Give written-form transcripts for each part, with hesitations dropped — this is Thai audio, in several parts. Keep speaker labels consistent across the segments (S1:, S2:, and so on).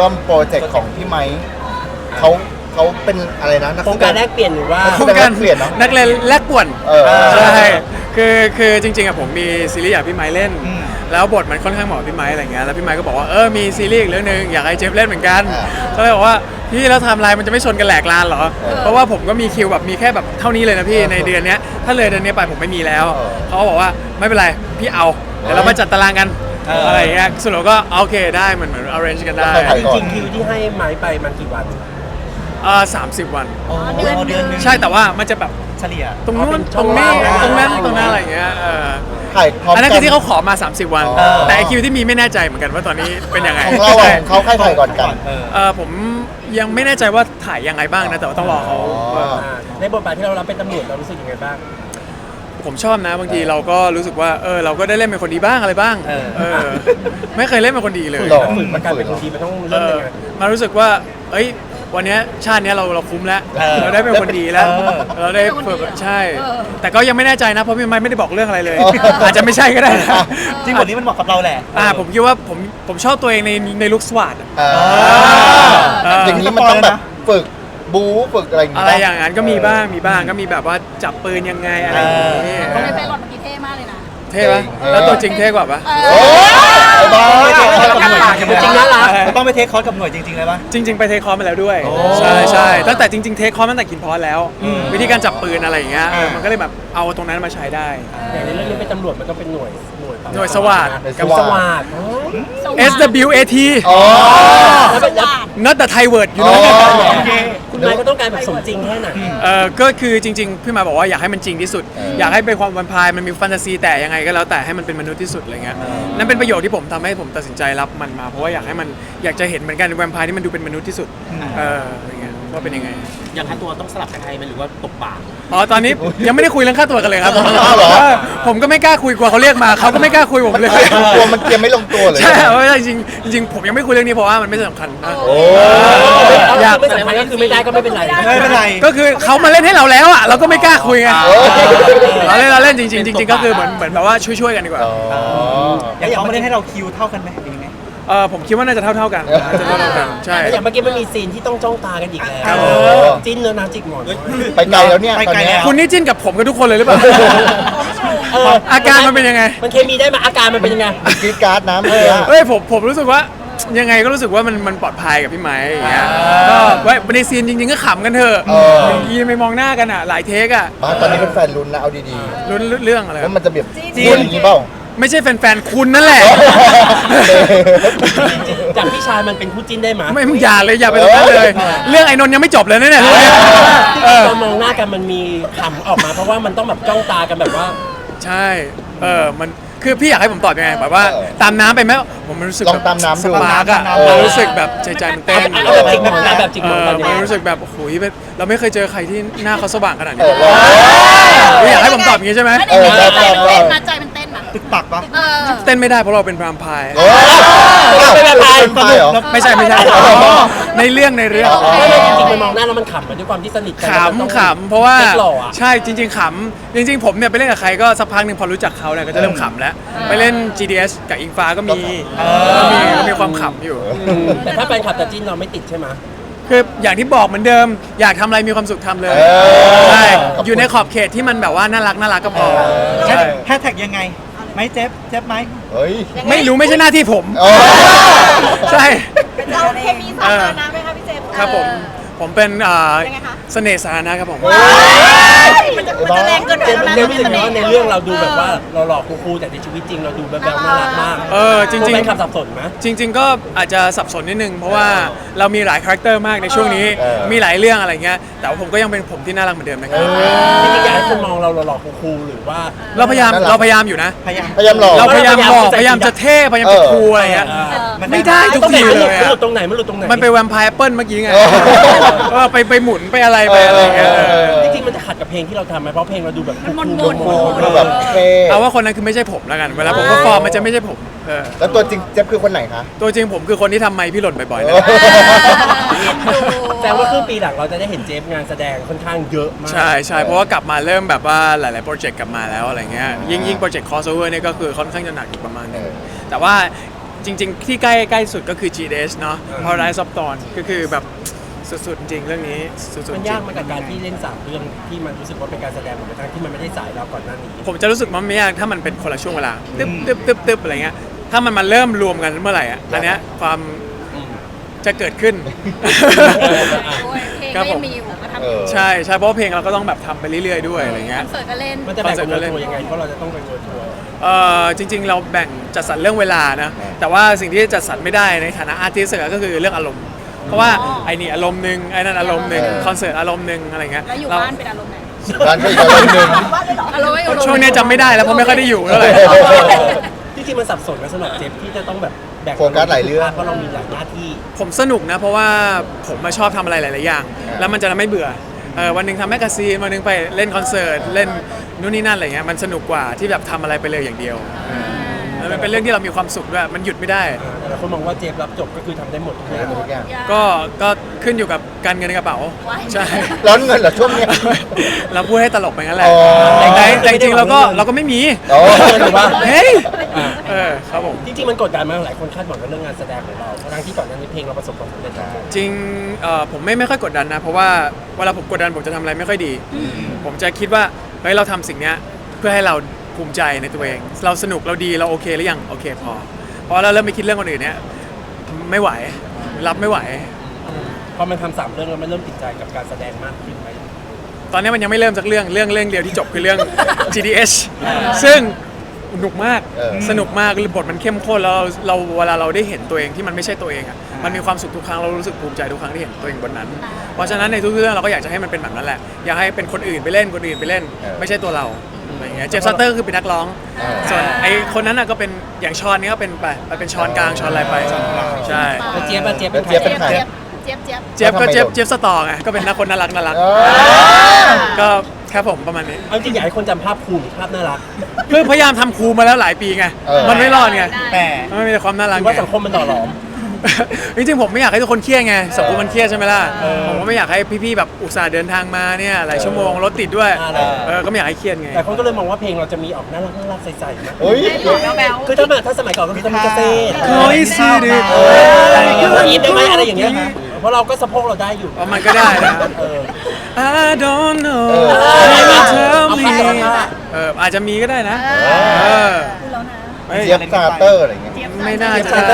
S1: ร่วมโปรเจกต์ของพี่ไมค์เขาเป็นอะไรนะนัก
S2: โครงการแลกเปลี่ยนหรือว่า
S1: โครงการเปลี่ยนเนาะ
S3: นักเรียนแลกป่วน
S1: ใช่
S3: ใช่คือจริงๆอะผมมีซีรีส์อยากพี่ไม้เล่น แล้วบทมันค่อนข้างเหมาะพี่ไม้อะไรเงี้ยแล้วพี่ไม้ก็บอกว่ามีซีรีส์อีกเรื่องนึงอยากให้เจฟเล่นเหมือนกันก็เลยบอกว่าพี่แล้วไทม์ไลน์มันจะไม่ชนกันแหลกลานเหรอเพราะว่าผมก็มีคิวแบบมีแค่แบบเท่านี้เลยนะพี่ในเดือนนี้ถ้าเลยเดือนนี้ไปผมไม่มีแล้วเขาก็บอกว่าไม่เป็นไรพี่เอาเดี๋ยวเรามาจัดตารางกันอะไรเงี้ยสรุปก็โอเคได้เหมือน arrange กันได้
S2: จริงๆคิวที่ให้ไม้ไปมันกี่วัน
S3: 30 วัน
S4: เดือนนึง
S3: ใช่แต่ว่ามันจะแบบ
S4: เฉลี่ย
S3: ตรงนู้น
S2: ช่
S3: ต
S2: อ
S3: รง ง
S2: ว่า
S3: นี้
S2: ง
S3: ตรงนั้นตรงนั้นอะไรอย่างเงี้ย
S1: ถ่ายพร้อม
S3: อันนั้น
S1: กั
S3: คือที่เขาขอมา30 วัน
S1: อ๋อ
S3: แต่ไอคิวที่มีไม่แน่ใจเหมือนกันว่าตอนนี้เป็นยังไง
S1: ของเราของเขาใครถ่ายก่อนกัน
S3: ผมยังไม่แน่ใจว่าถ่ายยังไงบ้างนะแต่ว่าต้องรอเขา
S2: ในบทบาทที่เรารับเป็นตำรวจเรารู้สึกยังไงบ้าง
S3: ผมชอบนะบางทีเราก็รู้สึกว่าเราก็ได้เล่นเป็นคนดีบ้างอะไรบ้างไม่เคยเล่นเป็นคนดีเลย
S1: หรอ
S2: ฝึกมาการเป็นคนดีมันต้องเริ่มยังไง
S3: มารู้สึกว่าวันนี้ชาตินี้เราคุ้มแล้วเราได้เป็นคนดีแล้วเราได้ฝึกใช่ แต่ก็ยังไม่แน่ใจนะเพราะพี่ไม้ไม่ได้บอกเรื่องอะไรเลย อาจจะไม่ใช่ก็ได้นะ
S4: จริงบทนี้มันเหมาะกับเราแหละ
S3: ผมคิดว่าผมชอบตัวเองในลุคสวัสด
S1: อย่างนี้มันต้องแบบฝึกบู๊ฝึกอะไรอย่าง
S3: อะไรอย่างนั้นก็มีบ้างก็มีแบบว่าจับปืนยังไงอะไรอย่างนี้
S5: เขาในเทรลอดเมื่อกี้เท่มากเลยนะ
S3: เท่ปะแล้วตัวจริงเท่กว่าปะ
S1: โอ้ยบ้า
S2: จริงๆน่ารัก
S4: ต้องไปเทคคอร์สกับหน่วยจริงๆเลยปะ
S3: จริง ๆ ไปเทคคอร์สมาแล้วด้วยใช่ตั้งแต่จริงๆเทคคอร์สตั้งแต่กินพอสแล้ว วิธีการจับปืนอะไรอย่างเงี้ยมันก็เลยแบบเอาตรงนั้นมาใช้ได้
S2: อย่างในเรื่องนี้เป็นตำรวจมันก็เป็นหน่วย
S3: หน่วยสวัสด
S2: กับสวัสด
S3: SWAT
S1: อ๋อ
S3: not the Thai word you know
S2: คุณนายก็ต้องการแบบสมจริงแค่ไหน
S3: ก็คือจริงๆพี่มาบอกว่าอยากให้มันจริงที่สุด อยากให้เป็นความแวมไพร์มันมีแฟนตาซีแต่ยังไงก็แล้วแต่ให้มันเป็นมนุษย์ที่สุดอะไรเงี้ยนั่นเป็นประโยชน์ที่ผมทำให้ผมตัดสินใจรับมันมาเพราะว่าอยากจะเห็นเหมือนกันแวมไพร์ที่มันดูเป็นมนุษย์ที่สุดอะไรเงี้ยว่าเป็นยังไง
S2: อย่างค่าตัวต้องสลับกับใครไหมหรือว่าตกปาก
S3: ตอนนี้ยังไม่ได้คุยเรื่องค่าตัวกันเลยครับผมก็ไม่กล้าคุยกลัวเขาเรียกมาเขาก็ไม่กล้าคุยผมเลย
S1: ตัวมันเตรียมไม่ลงตัวเลย
S3: ใช่เพราะว่าจริงผมยังไม่คุยเรื่องนี้เพราะว่ามันไม่สำคัญนะ
S1: โอ้
S3: อยาก
S2: ไม่สำคัญก็คือไม่ได้ก็ไม่เป็นไร
S4: ไม่เป็นไร
S3: ก็คือเขามาเล่นให้เราแล้วอ่ะเราก็ไม่กล้าคุยไงเราเล่นจริงก็คือเหมือนแบบว่าช่วยๆกันดีกว่า
S4: อย่างเขาไม่ได้ให้เราคิวเท่ากันไหมหรือยังไง
S3: ผมคิดว่าน่าจะเท่ากันใช่
S2: อย่างเมื่อกี้มันมีซีนที่ต้องจ้องตากันอีกแล้ว
S3: ครับ
S2: จิ้นเนื้อน้ำจิกหมอน
S1: ไปไกลแล้วเนี่ย
S4: ไป
S1: ตอน
S4: ไกล
S1: เนี้
S4: แล้
S1: ยว
S3: คุณนี่จิ้นกับผมกับทุกคนเลยหรือเปล่า อาการมันเป็นยังไง
S2: มันเคมีได้ไหมอาการมันเป็นยังไง
S1: กรีดการ์ดน้ำเมื่อกี้
S3: เฮ้ยผมรู้สึกว่ายังไงก็รู้สึกว่ามันปลอดภัยกับพี่ไม้อย่างเงี้ยก็ไว้ในซีนจริงๆก็ขำกันเถอะยีนไปมองหน้ากันอ่ะหลายเทคอ่ะ
S1: บ้านตอนนี้เป็นแฟนลุ้นนะเอาดี
S3: ลุ้นเรื่องอะไร
S1: ๆว่ามันจะแบบลุ้นอย่างนี้เปล่า
S3: ไม่ใช่แฟนๆคุณนั่นแหละ
S2: จากพี่ชายมันเป็นคู่จิ้นได้ไหม
S3: ไม่อย่าเลยอย่าไปตรงนั้นเลย เรื่องไอ้นนท์ยังไม่จบเลยนะเนี่ย
S2: ตอนมองหน้ากันมันมีขำออกมาเพราะว่ามันต้องแบบจ้องตากันแบบว่า
S3: ใช่มันคือพี่อยากให้ผมตอบยังไงแบบว่าตามน้ำไปไหมผมมันรู้สึก
S1: ลองตามน้ำดู
S3: สปาร์กอะ
S1: เออ
S3: รู้สึกแบบใจมันเต้น
S2: เอาแบบจิกหมอนนะแบบจิกหมอนตอนนี้
S3: มันรู้สึกแบบโอ้โหเราไม่เคยเจอใครที่หน้าเขาสว่างขนาด
S1: เอ
S3: นี้
S1: อ
S3: อยากให้ผมตอบอย่างนี้ใช่ไหม
S5: ไม่ได้ใจมันเต้นนะใจมันเต้นนะ
S4: ตึกปักปะ
S3: เต้นไม่ได้เพราะเราเป็นพรามพาย
S1: โอ้ยเป็นไฟเหรอ
S3: ไม่ใช่ในเรื่อง
S2: ไม่จริงๆมันมองหน้าแล้วมันขำมันด้วยความที่สนิทกัน
S3: ขำเพราะว่า
S2: เซ็กหล่ออะ
S3: ใช่จริงๆขำจริงๆผมเนี่ยไปเล่นกับใครก็สักพักหนึ่งพอรู้จักเขาเนี่ยก็จะเริ่มขำแล้วไปเล่น GDS กับอิงฟ้าก็มีความขำอยู่
S2: แต่ถ้าแฟนคลับจะจิ้นเราไม่ติดใช่ไหม
S3: คืออย่างที่บอกเหมือนเดิมอยากทำอะไรมีความสุขทำเลยใช่อยู่ในขอบเขตที่มันแบบว่าน่ารักก็พอใช่
S4: แฮชแท็กยังไงไหมเจ็บไหม
S1: เฮ้ย
S3: ไม่รู้ไม่ใช่หน้าที่ผม
S1: โอ้
S3: ใช่
S5: เราเคมีสาธารณะไหมคะพี่เจมส์
S3: ครับผมเป็น
S5: ยังไงคะ
S3: เสน่ห์สาธารณะครับผม
S5: มันจะแรงเกินไปแล้วนะ
S2: เรื่องรู้สึกว่าในเรื่องเราดูแบบว่าเราหล่อคูลๆแต่ในชีวิตจริงเราดูแบบน่ารักมาก
S3: จริง
S2: แฟนคลับสับสนไหม
S3: ๆจริง ๆ ก็อาจจะสับสนนิดนึงเพราะว่าเรามีหลายคาแรคเตอร์มากในช่วงนี้มีหลายเรื่องอะไรเงี้ยแต่ว่าผมก็ยังเป็นผมที่น่ารักเหมือนเดิมนะครับ
S2: จริงๆอยากให้คนมองเราหล่อๆคูลๆหรือว่า
S3: เราพยายามอยู่นะ
S4: พยายาม
S1: พยายามหลอก
S3: เราพยายามบอกพยายามจะเท่พยายามจะคูลอะไรเงี้ย ไม่ได้ทุกทีเลย
S2: มันหลุดตรงไหนมันหลุดตรงไหน
S3: มันไปแวมไพร์แอปเปิลเมื่อกี้ไง
S1: เออ
S3: ไปหมุนไปอะไรเงี้ย
S2: จริงๆมันจะขัดกับเพลงที่เราทำไหมเพราะเพลงเราดูแบบ
S5: มันมน
S1: โอ้ดูแบบเท่
S3: เอาว่าคนนั้นคือไม่ใช่ผมแล้วกันเวลาผมก็ฟอร์มมันจะไม่ใช่ผม
S1: แล้วตัวจริงเจ๊บคือคนไหนคะ
S3: ตัวจริงผมคือคนที่ทำไมค์พี่หล่นบ่อยๆนะ
S2: แสดงว่าครึ่งปีหลังเราจะได้เห็นเจฟงานแสดงค่อนข้างเยอะมาก
S3: ใช่เพราะว่ากลับมาเริ่มแบบว่าหลายๆโปรเจกต์กลับมาแล้วอะไรเงี้ยยิ่งโปรเจกต์ crossover เนี่ยก็คือค่อนข้างจะหนักอีกประมาณนึงแต่ว่าจริง ๆ ที่ใกล้สุดก็คือ GDS เนาะ Paradise of Dawn ก็คือแบบสุดๆจริงเรื่องนี้สุดๆจ
S2: มัน
S3: ริ
S2: ยาก
S3: ง
S2: มากกับการที่เล่นสามเรื่องที่มันรู้สึกว่าเป็นการแสดงเหมือนกันที่มันไม่ได้สายเราก่อนหน้านี้
S3: ผมจะรู้สึกมันไม่ยากถ้ามันเป็นคนละช่วงเวลาตึ๊บอะไรเงี้ยถ้ามันมาเริ่มรวมกันเมื่อไหร่อ่ะอันเนี้ยความจะเกิดขึ้น
S5: เพลง
S3: ครับ
S5: ก็
S3: ผ
S5: ยั
S3: ม
S5: งมีอยู่ก็ทำ
S3: ใช่เพราะว่าเพลงเราก็ต้องแบบทำไปเรื่อยๆด้วยอะไรเงี้ย
S5: คอนเสิร์ตก็เล่น
S2: มันจะแบ่งเป็นเวอร์ทัวร์ยังไงเพราะเราจะต้องเป็นเวอร์ทัวร์
S3: จริงๆ เราแบ่งจัดสรรเรื่องเวลานะแต่ว่าสิ่งที่จัดสรรไม่ได้ในฐานะอาร์ติสต์ก็คือเรื่องอารมณ์เพราะว่าไอ้นี่อารมณ์หนึ่งไอ้นั่นอารมณ์หนึ่งคอนเสิร์ตอารมณ์หนึ่งอะไรเงี้ย
S5: แล้วอยู่
S3: เรา
S5: บ้านเป็นอารมณ์ไหน
S1: ร้านก็อีกอารมณ์หนึ่ง
S5: อารมณ์ไม่อารมณ์
S3: ช่วงนี้จำไม่ได้แล้วเพราะไม่ค่อยได้อยู่เท่าไหร่
S2: จริงๆมันสับสนกันสำหรับเจฟที่จะต้องแบบแบ่ง
S1: โฟกัสหลายเรื่อง
S2: เพราะเรามีหลายหน้าที่
S3: ผมสนุกนะเพราะว่าผมมาชอบทำอะไรหลายๆอย่าง แล้วมันจะไม่เบื่อวันหนึ่งทำแมกกาซีนวันหนึ่งไปเล่นคอนเสิร์ตเล่นนู่นนี่นั่นอะไรเงี้ยมันสนุกกว่าที่แบบทำอะไรไปเลยอย่างเดียวแล้วมันเป็นเรื่องที่เรามีความสุขด้วยมันหยุดไม่ได้
S2: แต่ละคนมองว่าเจฟรับจบก็คือทำได้หมดทุกอย่าง
S1: ทุกอย่าง
S3: ก็ขึ้นอยู่กับการเงินในกระเป๋าใช่
S1: ร้อนเงินเหรอช่วงเนี้ย
S3: เราพูดให้ตลกไปงั้นแหละ
S1: อ๋อ
S3: แต่จริงๆเราก็ไม่มี
S1: อ๋อ
S2: หรือว่า
S3: เฮ้ยครับผม
S2: จริงๆมันกดดันมากหลายคนคาดหวังกับเรื่องงานแสดงของเราทั้งที่ก่อนหน้านี้เพลงเราประสบความสำเร็จทั้งหมด
S3: จริงผมไม่ค่อยกดดันนะเพราะว่าเวลาผมกดดันผมจะทำอะไรไม่ค่อยดี ผมจะคิดว่าเฮ้ยเราทำสิ่งเนี้ยเพื่อให้เราภูมิใจในตัวเอง เราสนุกเราดีเราโอเคหรือยังโอเคพอเพราะเราเริ่มไปคิดเรื่องคนอื่นเนี้ยไม่ไหวรับไม่ไหว
S2: พอมันทำสามเรื่องแล้วมันเริ่มติดใจกับการแสดงมากขึ้นไหม
S3: ตอนนี้มันยังไม่เริ่มสักเรื่องเดียวที่จบคือเรื่อง GDS ซึ่งสนุกมาก สนุกมากบทมันเข้มข้นแล้วเราเวลาเราได้เห็นตัวเองที่มันไม่ใช่ตัวเองอ่ะมันมีความสุขทุกครั้งเรารู้สึกภูมิใจทุกครั้งที่เห็นตัวเองบนนั้น เพราะฉะนั้นในทุกเรื่องเราก็อยากจะให้มันเป็นแบบนั้นแหละอยากให้เป็นคนอื่นไปเล่นไม่ใช่ตัวเราอะไรอย่างเงี้ยเจฟซัตเตอร์คือเป็นนักร้องส่วนไอ้คนนั้นน่ะก็เป็นอย่างชอนนี่ก็เป็นไปเป็นชอนกลางชอนอะไรไปใช่
S2: แล้วเจี๊ยบอะเจี๊ยบเป็นใคร
S1: เจี๊ยบเป็นใคร
S5: เจี๊ยบ
S3: เจฟก็เจฟสตอร์ไงก็เป็นนักคนน่ารัก
S1: อ๋อ
S3: ก็ครับผมประมาณนี้
S2: เอาจริงอยากให้คนจำภาพคูลหรือภาพน่ารัก
S3: คือพยายามทำครูมาแล้วหลายปีไง มันไม่รอดไง
S4: แต่
S3: มันมีแต่ความน่า
S2: ห
S3: รัก
S2: รือ
S3: ไง
S2: ว่าสังคมมันหล่อหลอม
S3: จริงๆผมไม่อยากให้ทุกคนเครียดไงสังคมมันเครียดใช่ไหมล่ะผมก็ไม่อยากให้พี่ๆแบบอุตส่าห์เดินทางมาเนี่ยหลายชั่วโมงรถติดด้วยก็ไม่อยากให้เครียดไง
S2: แต่คนก็เลยมองว่าเพลงเราจะมีออกน่ารักใสๆนะ
S1: เฮ้ย
S5: แบ๊ว
S2: คือถ้าสมัยก่อนก็คือจะมีเกษตร
S3: เคยสิดิ
S2: อีทได้ไหมอะไรอย่างเงี้ยค่ะเพราะเราก็สะโพกเราได้อยู่
S3: มันก็ได้นะ
S2: เออ
S3: I don't know
S1: เออ
S3: Can you tell
S2: เอา
S3: me
S2: ผ้าเอาผ้า
S3: อาจจะมีก็ได้นะเออ
S1: เจี๊ยบซาเตอร์อะไรเงี้ย
S3: ไม่น่าจะ
S2: เอ
S3: ได้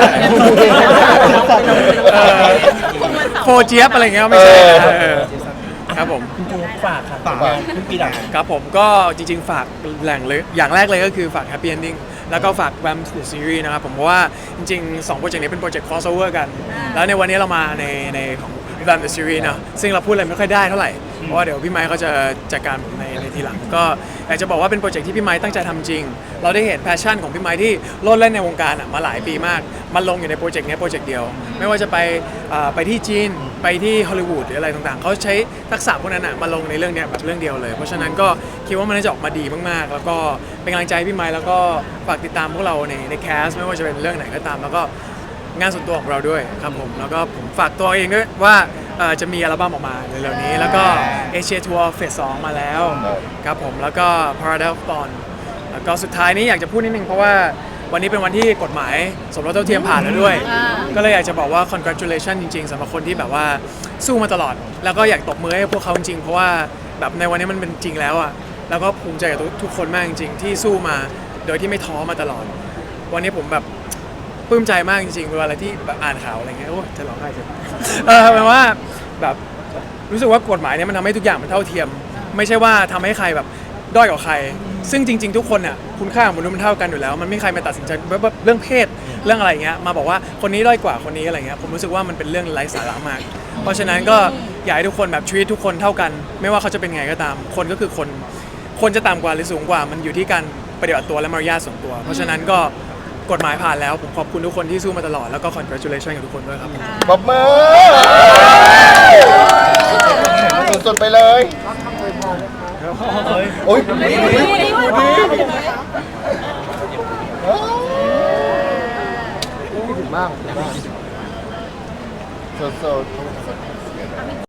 S2: อ
S3: โฟเจี๊ยบอะไรเงี้ยไม่ใช่นะครับผม
S2: คุณเจฝากค่ะฝากขึ้นปีหลัง
S3: ครับผมก็จริงๆฝากแหล่งเลยอย่างแรกเลยก็คือฝาก Happy Ending แล้วก็ฝาก Vamp The Series นะครับผมเพราะว่าจริงๆ2โปรเจกต์นี้เป็นโปรเจกต์ crossover กัน แล้วในวันนี้เรามาในของ Vamp The Series เนอะซึ่งเราพูดอะไรไม่ค่อยได้เท่าไหร่ เพราะว่าเดี๋ยวพี่ไมค์เขาจะจัดการผมในทีหลัง ก็อยากจะบอกว่าเป็นโปรเจกต์ที่พี่ไมค์ตั้งใจทำจริง เราได้เห็นแพชชั่นของพี่ไมค์ที่โลดเล่นในวงการมาหลายปีมากมันลงอยู่ในโปรเจกต์นี้โปรเจกต์เดียว ไม่ว่าจะไปที่จีนไปที่ฮอลลีวูดหรืออะไรต่างๆเขาใช้ทักษะพวกนั้นมาลงในเรื่องนี้แบบเรื่องเดียวเลย เพราะฉะนั้นก็คิดว่ามันน่าจะออกมาดีมากๆ แล้วก็เป็นกำลังใจให้พี่ไมค์แล้วก็ฝากติดตามพวกเราในแคสไม่ว่าจะเป็นเรื่องไหนก็ตาม แล้วก็งานส่วนตัวของเราด้วยครับผมแล้วก็ผมฝากตัวเองด้วยว่าจะมีอัลบั้มออกมาเร็วๆนี้แล้วก็เอเชียทัวร์เฟส 2 มาแล้วครับผมแล้วก็ Paradise of Dawn แล้วก็สุดท้ายนี้อยากจะพูดนิดนึงเพราะว่าวันนี้เป็นวันที่กฎหมายสมรสเท่าเทียมผ่านแล้วด้วย ก็เลยอยากจะบอกว่า congratulation จริงๆสำหรับคนที่แบบว่าสู้มาตลอด แล้วก็อยากตบมือให้พวกเขาจริงๆเพราะว่าแบบในวันนี้มันเป็นจริงแล้วอ่ะแล้วก็ภูมิใจกับทุกคนมากจริงๆที่สู้มาโดยที่ไม่ท้อมาตลอด วันนี้ผมแบบปลื้มใจมากจริงๆเวลาที่แบบอ่านข่าวอะไรเงี้ยโอ้จะร้องไห้จังแปลว่าแบบรู้สึกว่ากฎหมายเนี่ยมันทำให้ทุกอย่างมันเท่าเทียม ไม่ใช่ว่าทำให้ใครแบบด้อยกว่าใคร ซึ่งจริงๆทุกคนน่ะคุณค่าของมนุษย์มันเท่ากันอยู่แล้วมันไม่มีใครมาตัดสินใจแบบเรื่องเพศเรื่องอะไรเงี้ยมาบอกว่าคนนี้ด้อยกว่าคนนี้อะไรเงี้ยผมรู้สึกว่ามันเป็นเรื่องไร้สาระมาก เพราะฉะนั้นก็อยากให้ทุกคนแบบชีวิตทุกคนเท่ากัน ไม่ว่าเขาจะเป็นไงก็ตามคนก็คือคนจะต่ำกว่าหรือสูงกว่ามันอยู่ที่การปฏิบัติตัวและมารยาทส่วนตัว เพราะฉะนั้นก็กฎหมายผ่านแล้วผมขอบคุณทุกคนที่สู้มาตลอดแล้วก็ congratulation กับทุกคนด้วยครับ
S1: ปรบมือสุดๆไปเลยโอ้ยมากสุดๆ